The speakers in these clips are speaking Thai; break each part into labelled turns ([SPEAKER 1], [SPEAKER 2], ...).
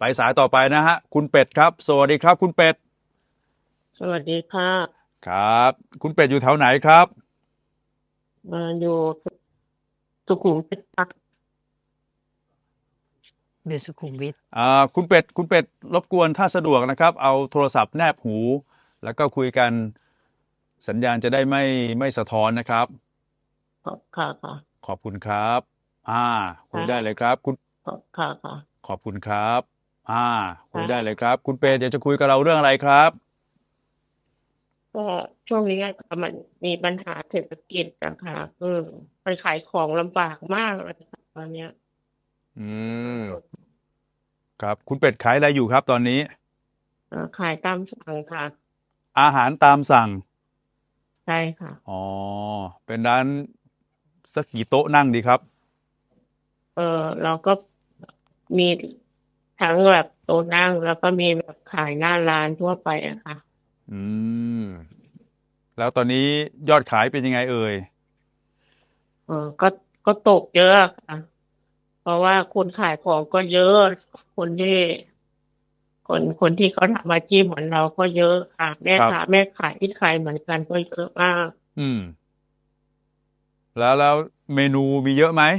[SPEAKER 1] ไปสายต่อไปนะฮะคุณเป็ดครับสวัสดีครับคุณเป็ด
[SPEAKER 2] สวัสดีค่ะ
[SPEAKER 1] ครับคุณเป็ดอยู่แถวไหนครับ
[SPEAKER 2] มาอยู่สุขุมวิทค่ะ
[SPEAKER 3] อยู่สุขุมวิท
[SPEAKER 1] คุณเป็ดรบกวนถ้าสะดวกนะครับเอาโทรศัพท์แนบหูแล้วก็คุยกันสัญญาณจะได้ไม่สะท้อนนะครับ
[SPEAKER 2] ค่ะค่ะ
[SPEAKER 1] ขอบคุณครับอ่าคุยได้
[SPEAKER 2] ค่ะ
[SPEAKER 1] เลยครับคุณ
[SPEAKER 2] ค่ะค่ะ
[SPEAKER 1] ขอบคุณครับอ่าคุยได้เล
[SPEAKER 2] ค่ะ
[SPEAKER 1] ยครับคุณเป็ดอยากจะคุยกับเราเรื่องอะไรครับ
[SPEAKER 2] ก็ช่วงนี้มันมีปัญหาเศรษฐกิจนะคะไปขายของลำบากมากเลยค่ะตอนเนี้ย
[SPEAKER 1] อืมครับคุณเป็ดขายอะไรอยู่ครับตอนนี้
[SPEAKER 2] ขายตามสั่งค่ะ
[SPEAKER 1] อาหารตามสั่ง
[SPEAKER 2] ใช่ค่ะ
[SPEAKER 1] อ๋อเป็นร้านสักกี่โต๊ะนั่งดีครับ
[SPEAKER 2] เออเราก็มีทั้งแบบโต๊ะนั่งแล้วก็มีแบบขายหน้าร้านทั่วไปอะค่ะ
[SPEAKER 1] อืมแล้วตอนนี้ยอดขายเป็นยังไงเอ่ย
[SPEAKER 2] เออก็ก็ตกเยอะค่ะเพราะว่าคนขายของก็เยอะคนที่ คนที่เขาทำอาชีพเหมือนเราก็เยอะค่ะแม่
[SPEAKER 1] ครับ
[SPEAKER 2] ค้าแม่ขายที่ขายเหมือนกันก็เยอะมาก
[SPEAKER 1] อืมแล้วเมนูมีเยอะไหม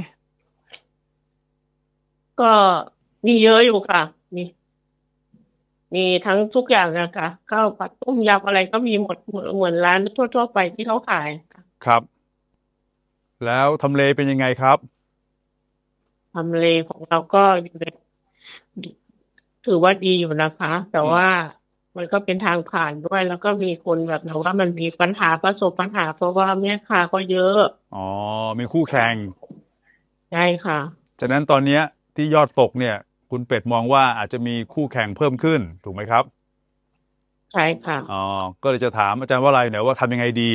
[SPEAKER 2] ก็มีเยอะอยู่ค่ะมีมีทั้งทุกอย่างนะคะข้าวผัดต้มยำอะไรก็มีหมดเหมือนร้านทั่วๆไปที่เขาขายค่ะ
[SPEAKER 1] ครับแล้วทำเลเป็นยังไงครับ
[SPEAKER 2] ทำเลของเราก็อยู่ในถือว่าดีอยู่นะคะแต่
[SPEAKER 1] อืม
[SPEAKER 2] ว่ามันก็เป็นทางผ่านด้วยแล้วก็มีคนแบบเราว่ามันมีปัญหาประสบปัญหาเพราะว่าแม่ค้าก็เยอะ
[SPEAKER 1] อ๋อมีคู่แข่ง
[SPEAKER 2] ใช่ค่ะ
[SPEAKER 1] ฉะนั้นตอนเนี้ยที่ยอดตกเนี่ยคุณเป็ดมองว่าอาจจะมีคู่แข่งเพิ่มขึ้นถูกไหมครับ
[SPEAKER 2] ใช่ค่ะ
[SPEAKER 1] อ๋อก็เลยจะถามอาจารย์ว่าอะไรเนี่ยว่าทำยังไงดี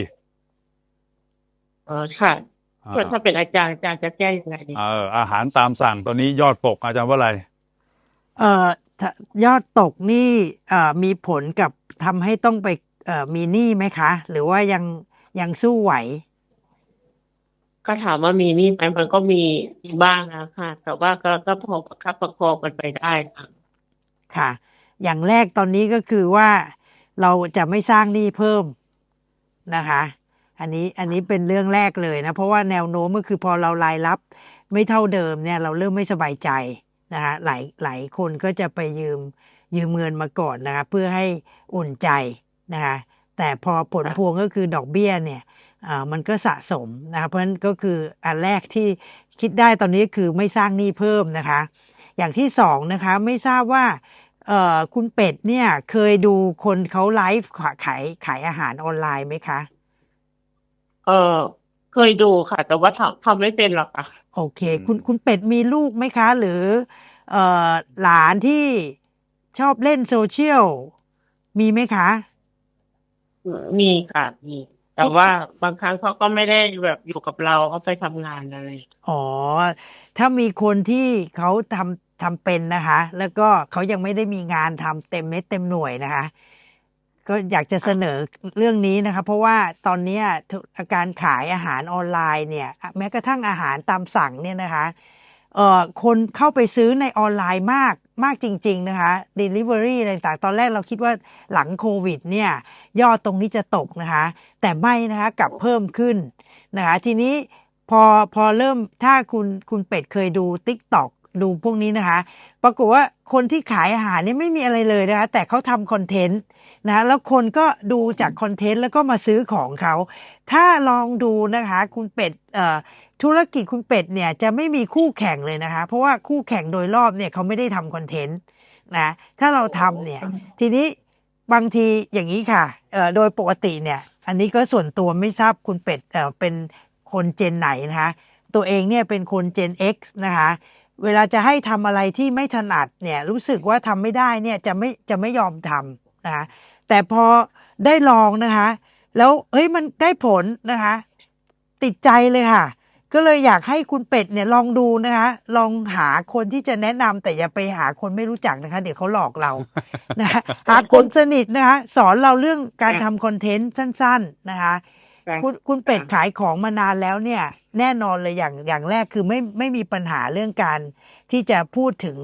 [SPEAKER 2] ค่ะ
[SPEAKER 1] อ่
[SPEAKER 2] ถ้าเป็น
[SPEAKER 1] า
[SPEAKER 2] อาจารย์จะแก้ยังไงดี
[SPEAKER 1] อาหารตามสั่งตอนนี้ยอดตกอาจารย์ว่าอะไร
[SPEAKER 3] เอ่อยอดตกนี่มีผลกับทำให้ต้องไปมีหนี้ไหมคะหรือว่ายังสู้ไหว
[SPEAKER 2] ก็ถามว่ามีหนี้ไหมมันก็มีบ้างนะค่ะแต่ว่าก็พอประคับประคองกันไปได้ค่ะ
[SPEAKER 3] ค่ะอย่างแรกตอนนี้ก็คือว่าเราจะไม่สร้างหนี้เพิ่มนะคะอันนี้เป็นเรื่องแรกเลยนะเพราะว่าแนวโน้มก็คือพอเรารายรับไม่เท่าเดิมเนี่ยเราเริ่มไม่สบายใจนะคะหลายคนก็จะไปยืมเงินมาก่อนนะคะเพื่อให้อุ่นใจนะคะแต่พอผลพวง
[SPEAKER 2] ค่ะ
[SPEAKER 3] ก็คือดอกเบี้ยเนี่ยมันก็สะสมนะคะเพราะฉะนั้นก็คืออันแรกที่คิดได้ตอนนี้คือไม่สร้างหนี้เพิ่มนะคะอย่างที่สองนะคะไม่ทราบว่าคุณเป็ดเนี่ยเคยดูคนเขาไลฟ์ขายอาหารออนไลน์ไหมคะ
[SPEAKER 2] เออเคยดูค่ะแต่ว่าทำไม่เป็นหรอกค่ะ
[SPEAKER 3] โอเค
[SPEAKER 1] อื
[SPEAKER 3] คุณ
[SPEAKER 1] ม
[SPEAKER 3] เป็ดมีลูกไหมคะหรือเอ่หลานที่ชอบเล่นโซเชียลมีไหมคะ
[SPEAKER 2] มีค่ะมีแต่
[SPEAKER 3] ทุก
[SPEAKER 2] ว่าบางครั้งเขาก็ไม่ได้แบบอยู่กับเราเขาไปทำงานอะไร
[SPEAKER 3] อ๋อถ้ามีคนที่เขาทำเป็นนะคะแล้วก็เขายังไม่ได้มีงานทำเต็มเม็ดเต็มหน่วยนะคะก็อยากจะเสน
[SPEAKER 2] ค่ะ
[SPEAKER 3] อเรื่องนี้นะคะเพราะว่าตอนเนี้ยการขายอาหารออนไลน์เนี่ยแม้กระทั่งอาหารตามสั่งเนี่ยนะคะคนเข้าไปซื้อในออนไลน์มากจริงๆนะคะ Delivery อะไรต่างๆตอนแรกเราคิดว่าหลังโควิดเนี่ยยอดตรงนี้จะตกนะคะแต่ไม่นะคะกลับเพิ่มขึ้นนะคะทีนี้ พอพอเริ่มถ้าคุณเป็ดเคยดู TikTok ดูพวกนี้นะคะปรากฏว่าคนที่ขายอาหารเนี่ยไม่มีอะไรเลยนะคะแต่เขาทำคอนเทนต์นะแล้วคนก็ดูจากคอนเทนต์แล้วก็มาซื้อของเขาถ้าลองดูนะคะคุณเป็ดธุรกิจคุณเป็ดเนี่ยจะไม่มีคู่แข่งเลยนะคะเพราะว่าคู่แข่งโดยรอบเนี่ยเขาไม่ได้ทำคอนเทนต์นะถ้าเราทำเนี่ยทีนี้บางทีอย่างนี้ค่ะโดยปกติเนี่ยอันนี้ก็ส่วนตัวไม่ทราบคุณเป็ดเป็นคนเจนไหนนะคะตัวเองเนี่ยเป็นคนเจน X นะคะเวลาจะให้ทำอะไรที่ไม่ถนัดเนี่ยรู้สึกว่าทำไม่ได้เนี่ยจะไม่ยอมทำนะคะแต่พอได้ลองนะคะแล้วเฮ้ยมันได้ผลนะคะติดใจเลยค่ะก็เลยอยากให้คุณเป็ดเนี่ยลองดูนะคะลองหาคนที่จะแนะนำแต่อย่าไปหาคนไม่รู้จักนะคะเดี๋ยวเขาหลอกเรานะคะหาคนสนิทนะคะสอนเราเรื่องการ
[SPEAKER 2] ค่ะ
[SPEAKER 3] ทำคอนเทนต์สั้นๆนะคะ
[SPEAKER 2] ค่ะ
[SPEAKER 3] คุณเป็ด
[SPEAKER 2] ค่ะ
[SPEAKER 3] ขายของมานานแล้วเนี่ยแน่นอนเลยอย่างแรกคือไม่มีปัญหาเรื่องการที่จะพูดถึง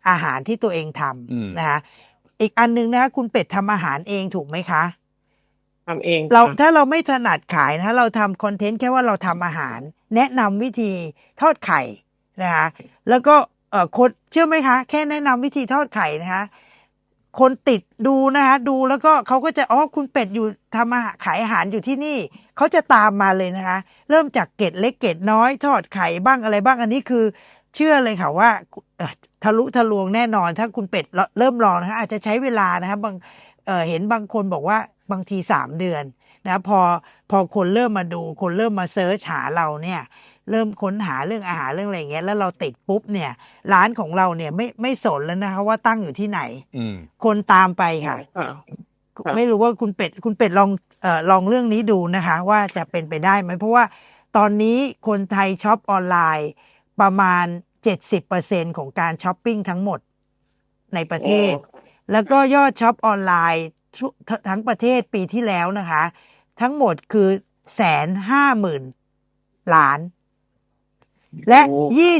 [SPEAKER 3] อาหารที่ตัวเองท
[SPEAKER 1] อืม
[SPEAKER 3] ำนะคะอีกอันนึงนะคะคุณเป็ดทำอาหารเองถูกไหมคะ
[SPEAKER 2] ทำเอง
[SPEAKER 3] เรา
[SPEAKER 2] ค่ะ
[SPEAKER 3] ถ้าเราไม่ถนัดขายนะคะเราทำคอนเทนต์แค่ว่าเราทำอาหาร แนะนำวิธีทอดไข่นะคะแล้วก็คนเชื่อไหมคะ แค่แนะนำวิธีทอดไข่นะคะคนติดดูนะคะดูแล้วก็เขาก็จะคุณเป็ดอยู่ทำอาหารขายอาหารอยู่ที่นี่เขาจะตามมาเลยนะคะ เริ่มจากเกร็ดเล็กเกร็ดน้อยทอดไข่บ้างอะไรบ้างอันนี้คือเชื่อเลยค่ะว่าทะลุทะลวงแน่นอนถ้าคุณเป็ดเริ่มลองนะคะอาจจะใช้เวลานะคะเห็นบางคนบอกว่าบางที3 เดือนนะพอคนเริ่มมาดูคนเริ่มมาเซิร์ชหาเราเนี่ยเริ่มค้นหาเรื่องอาหารเรื่องอะไรอย่างเงี้ยแล้วเราติดปุ๊บเนี่ยร้านของเราเนี่ยไม่สนแล้วนะคะว่าตั้งอยู่ที่ไหน
[SPEAKER 1] อืม
[SPEAKER 3] คนตามไปค่ะ
[SPEAKER 2] ค่ะ ครับ
[SPEAKER 3] ไม่รู้ว่าคุณเป็ดลองเรื่องนี้ดูนะคะ ว่าจะเป็นไปได้ไหมเพราะว่าตอนนี้คนไทยช็อปออนไลน์ประมาณ 70%ของการช้อปปิ้งทั้งหมดในประเทศ แล้วก็ยอดช็อปออนไลน์ทั้งประเทศปีที่แล้วนะคะ ทั้งหมดคือ150,000 ล้าน และ
[SPEAKER 2] โอ้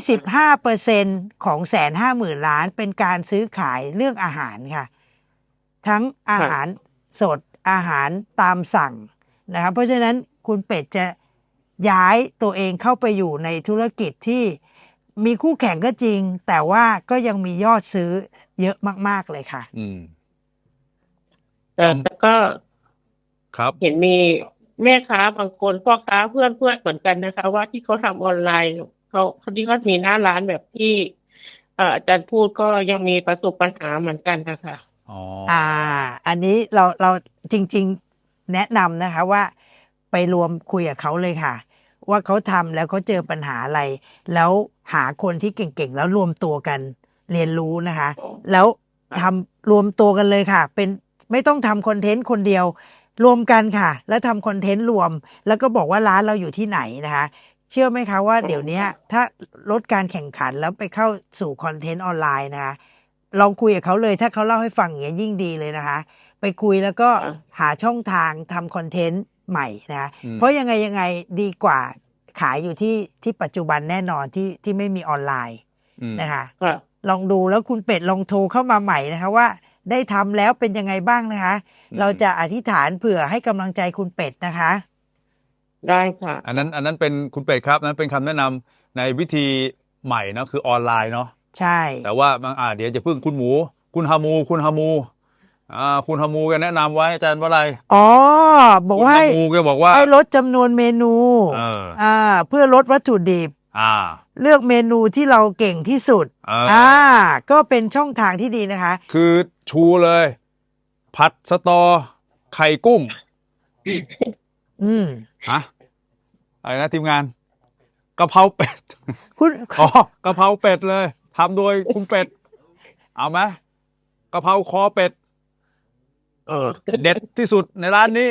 [SPEAKER 3] 25%ของ150,000 ล้านเป็นการซื้อขายเรื่องอาหารค่ะ ทั้งอาหารสดอาหารตามสั่งนะคะเพราะฉะนั้นคุณเป็ดจะย้ายตัวเองเข้าไปอยู่ในธุรกิจที่มีคู่แข่งก็จริง แต่ว่าก็ยังมียอดซื้อเยอะมากๆเลยค่ะ
[SPEAKER 1] อืม
[SPEAKER 2] แต่ก็
[SPEAKER 1] ครับ
[SPEAKER 2] เห็นมีแม่ค้าบางคนพ่อค้าเพื่อนเหมือนกันนะคะ ว่าที่เขาทำออนไลน์เขาที่เขามีหน้าร้านแบบที่อาจารย์พูดก็ยังมีประสบปัญหาเหมือนกันนะคะ
[SPEAKER 1] อ๋อ
[SPEAKER 3] อันนี้เราจริงๆแนะนำนะคะว่าไปรวมคุยกับเขาเลยค่ะ ว่าเขาทำแล้วเขาเจอปัญหาอะไร แล้วหาคนที่เก่งๆ แล้วรวมตัวกันเรียนรู้นะคะ แล้วทำรวมตัวกันเลยค่ะ เป็นไม่ต้องทำคอนเทนต์คนเดียว รวมกันค่ะ แล้วทำคอนเทนต์รวม แล้วก็บอกว่าร้านเราอยู่ที่ไหนนะคะ เชื่อไหมคะว่าเดี๋ยวนี้ถ้าลดการแข่งขันแล้วไปเข้าสู่คอนเทนต์ออนไลน์นะคะ ลองคุยกับเขาเลยถ้าเขาเล่าให้ฟังอย่างนี้ยยิ่งดีเลยนะคะ ไปคุยแล้วก็
[SPEAKER 2] อ่า
[SPEAKER 3] หาช่องทางทำคอนเทนต์ใหม่นะคะ
[SPEAKER 1] อืม
[SPEAKER 3] เพราะยังไงดีกว่าขายอยู่ที่ปัจจุบันแน่นอนที่ไม่มีออนไลน์
[SPEAKER 1] อืม
[SPEAKER 3] นะคะ
[SPEAKER 2] ค่ะ
[SPEAKER 3] ลองดูแล้วคุณเป็ดลองโทรเข้ามาใหม่นะคะว่าได้ทำแล้วเป็นยังไงบ้างนะคะ เราจะอธิษฐานเผื่อให้กำลังใจคุณเป็ดนะคะ
[SPEAKER 2] ได้ค่ะ
[SPEAKER 1] อันนั้นเป็นคุณเป็ดครับนั้นเป็นคำแนะนำในวิธีใหม่เนอะคือออนไลน์เนาะ
[SPEAKER 3] ใช่
[SPEAKER 1] แต่ว่าบางเดี๋ยวจะพึ่งคุณหมู คุณฮามูคุณฮามูแกแนะนำไว้อาจารย์ว่าอะไร
[SPEAKER 3] อ๋อบอก
[SPEAKER 1] คุณ
[SPEAKER 3] ว่า
[SPEAKER 1] ฮามูแกบอกว่า
[SPEAKER 3] ให้ลดจำนวนเมนู เพื่อลดวัตถุดิบ
[SPEAKER 1] อ่า
[SPEAKER 3] เลือกเมนูที่เราเก่งที่สุด ก็เป็นช่องทางที่ดีนะคะ
[SPEAKER 1] คือชูเลย ผัดสตอไข่กุ้ง
[SPEAKER 3] อืม
[SPEAKER 1] ฮะอะไรนะทีมงานกะเพราเป็ด
[SPEAKER 3] คุณ
[SPEAKER 1] อ๋อกะเพราเป็ดเลยทำโดยคุณเป็ด เอาไหมกะเพราคอเป็ด เด็ดที่สุดในร้านนี้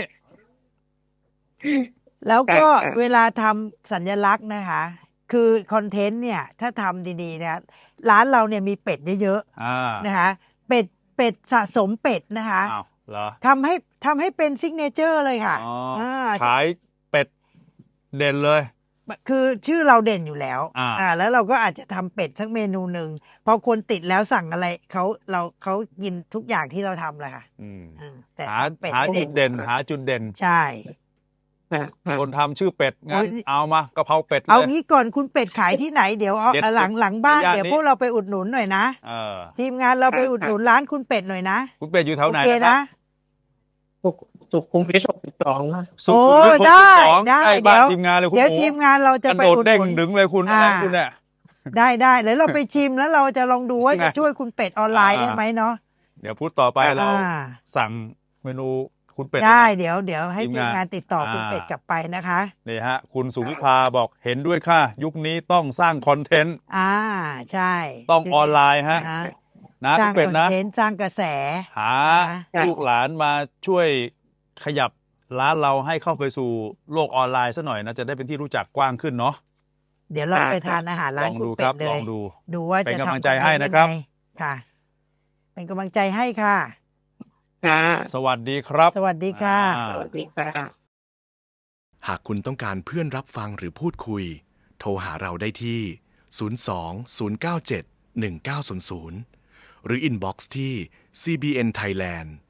[SPEAKER 3] แล้วก็
[SPEAKER 2] ค่ะ
[SPEAKER 3] เวลาทำสัญลักษณ์นะคะ คือคอนเทนต์เนี่ยถ้าทำดีๆนะร้านเราเนี่ยมีเป็ดเยอะ
[SPEAKER 1] อ่า
[SPEAKER 3] ๆนะคะ เป็ดสะสมเป็ดนะคะ
[SPEAKER 1] อ้าวเหรอ
[SPEAKER 3] ทำให้เป็นซิกเนเจอร์เลยค่ะ
[SPEAKER 1] อ๋อ
[SPEAKER 3] อ่า
[SPEAKER 1] ขายเป็ดเด่นเลย
[SPEAKER 3] คือชื่อเราเด่นอยู่แล้ว แล้วเราก็อาจจะทำเป็ดทั้งเมนูหนึ่งพอคนติดแล้วสั่งอะไรเขากินทุกอย่างที่เราทำเลยค่ะ
[SPEAKER 1] อืม
[SPEAKER 3] แต่
[SPEAKER 1] หา
[SPEAKER 3] ทำเป็ด
[SPEAKER 1] หา
[SPEAKER 3] ให้
[SPEAKER 1] จุดเด่นหาจุดเด่น
[SPEAKER 3] ใช่
[SPEAKER 2] ค่ะค่ะ
[SPEAKER 1] คนทำชื่อเป็ดงั้น
[SPEAKER 3] โอ้ย
[SPEAKER 1] เอามากะเพราเป็ด
[SPEAKER 3] เอา
[SPEAKER 1] เลย
[SPEAKER 3] งี้ก่อนคุณเป็ดขายที่ไหนเดี๋ยวเอา
[SPEAKER 1] เด็ด
[SPEAKER 3] หลังบ้าน
[SPEAKER 1] ในย่าน
[SPEAKER 3] เดี๋ยว
[SPEAKER 1] นี้
[SPEAKER 3] พวกเราไปอุดหนุนหน่อยนะ
[SPEAKER 1] เออ
[SPEAKER 3] ทีมงานเราไปอุดหนุนร้านคุณเป็ดหน่อยนะ
[SPEAKER 1] คุณเป็ดอยู่แถว
[SPEAKER 3] โอ
[SPEAKER 1] ไหน
[SPEAKER 3] เค
[SPEAKER 1] นะครั
[SPEAKER 3] นะ
[SPEAKER 1] บ
[SPEAKER 2] สุขุมวิท62ค่ะ
[SPEAKER 1] สุขุมวิท
[SPEAKER 3] ได้
[SPEAKER 1] 62
[SPEAKER 3] ได้
[SPEAKER 1] ใกล้บ้าน
[SPEAKER 3] เดี๋ยว
[SPEAKER 1] ทีมงานเลยคุณ
[SPEAKER 3] เดี๋ยว
[SPEAKER 1] หมู
[SPEAKER 3] ทีมงานเราจะ
[SPEAKER 1] กระ
[SPEAKER 3] ไป
[SPEAKER 1] โดด
[SPEAKER 3] อุด
[SPEAKER 1] เด้ง
[SPEAKER 3] หนุน
[SPEAKER 1] ดึงเลยคุณอะไรคุณเนี่ย
[SPEAKER 3] ได้แล้วเราไปชิมแล้วเราจะลองดูว่า
[SPEAKER 1] ไง
[SPEAKER 3] จะช่วยคุณเป็ดออนไลน์ได้ไหมเนาะ
[SPEAKER 1] เดี๋ยวพูดต่อไปเรา
[SPEAKER 3] อ่า
[SPEAKER 1] สั่งเมนูคุณเป็ด
[SPEAKER 3] ได้
[SPEAKER 1] นะ
[SPEAKER 3] เดี๋ยวให้
[SPEAKER 1] ทีม
[SPEAKER 3] ทีม
[SPEAKER 1] งาน
[SPEAKER 3] งานติดต่อคุณ
[SPEAKER 1] อ่า
[SPEAKER 3] เป็ดกลับไปนะคะ
[SPEAKER 1] นี่ฮะ คุณสุวิภาบอกเห็นด้วยค่ะ ยุคนี้ต้องสร้างคอนเทนต์
[SPEAKER 3] ใช่
[SPEAKER 1] ต้องออนไลน์ฮะ
[SPEAKER 3] นะ
[SPEAKER 1] นะ
[SPEAKER 3] สร้า
[SPEAKER 1] คุ
[SPEAKER 3] ง
[SPEAKER 1] ณเป็ด
[SPEAKER 3] คอน
[SPEAKER 1] นะ
[SPEAKER 3] เทนต์สร้างกระแส
[SPEAKER 1] หา
[SPEAKER 2] ค่ะ
[SPEAKER 1] ลูกหลานมาช่วยขยับร้านเราให้เข้าไปสู่โลกออนไลน์ซะหน่อยนะ จะได้เป็นที่รู้จักกว้างขึ้นเนาะ
[SPEAKER 3] เดี๋ยวเราไปทานอาหาร
[SPEAKER 1] ล
[SPEAKER 3] ร้าน
[SPEAKER 1] อง
[SPEAKER 3] คุณ
[SPEAKER 1] ดู
[SPEAKER 3] เป็
[SPEAKER 1] ครั
[SPEAKER 3] ด
[SPEAKER 1] บ
[SPEAKER 3] เล
[SPEAKER 1] ลอย งดู
[SPEAKER 3] ดูว่า
[SPEAKER 1] เป็น
[SPEAKER 3] จะ
[SPEAKER 1] กำลัง
[SPEAKER 3] ทำ
[SPEAKER 1] ใจให้นะครับ
[SPEAKER 3] ยังไงค่ะ เป็นกำลังใจให้ค่ะ
[SPEAKER 2] ค่ะ
[SPEAKER 1] สวัสดีครับ
[SPEAKER 3] สวัสดีค่ะ
[SPEAKER 1] อ่า
[SPEAKER 2] สวัสดีค่ะ
[SPEAKER 4] หากคุณต้องการเพื่อนรับฟังหรือพูดคุย โทรหาเราได้ที่ 02 097 1900 หรืออินบ็อกซ์ที่ CBN Thailand